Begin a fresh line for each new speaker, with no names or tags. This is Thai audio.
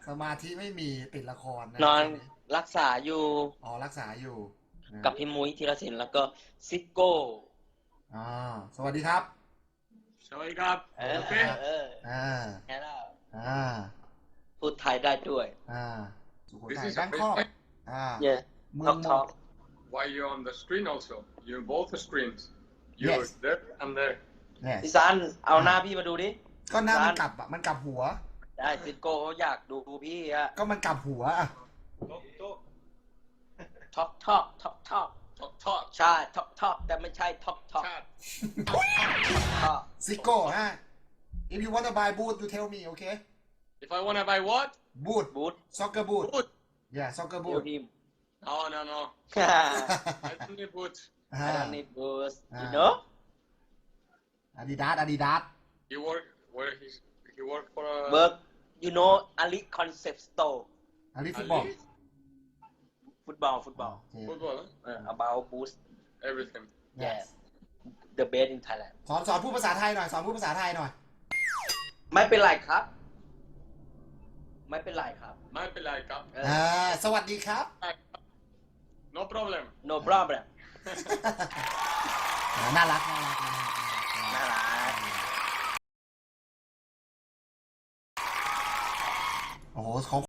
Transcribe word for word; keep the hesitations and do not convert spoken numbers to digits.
สมาธิไม่มีติดละครนะ
นอนรักษาอยู่
อ๋อรักษาอยู่นะ
กับพี่มุ้ยธีรศิลป์แล้วก็ซิโก้
อ๋อสวัสดีครับ
สวัสดีครับ
เออ
โอเค
เออ
อ่า
แค่นั้น
อ่า
พูดไทยได้ด้วย
อ่าสุโข
This
ทัย
is
แบงคอก
Facebook.
อ่า
yeah
เมื
talk
ม
talk
Why you on the screen also? You both the screens. You
Yes.
there and there.
เนี่ย
พี่ซันเอาหน้าพี่มาดูดิ
ก็หน้ามันกลับอ่ะมันกลับหัว
ได้ซิโก้เขาอยากดูพี่อะ
ก็มันกลับหัวอ่ะ
Talk, talk,
ท็อกท็อกท็อกท็อก
talk, talk.
ใช่ท็อกท็อกแต่ไม่ใช่ท็อกท็อก
Chat.
ท็อก
ซิโก้ฮะ if you want to buy boot you tell me okay
If I wanna buy what?
boot
บูท
soccer boot
Boot.
yeah soccer
เดียว
boot
ทีม
No, no, no.
ฮ่า
I don't need boot.
อ่า
I don't need boots
อ่า
you know
อาดิดาสอาดิดาส
He work where he he work for a
work you know Ali concept store
อาดิฟุตบอล
Ali?
ฟุตบอลฟุตบอล
football. Huh?
about boost
Everything.
yes the best in Thailand
สอนสอนพูดภาษาไทยหน่อยสอนพูดภาษาไทยหน่อย
ไม่เป็นไรครับ ไม่เป็นไรครับ
My like up.
เออ
อ่าสวัสดีครับ
No problem.
no problem
น่ารักน่ารักน่ารัก
น่ารัก
โอ้โหเขา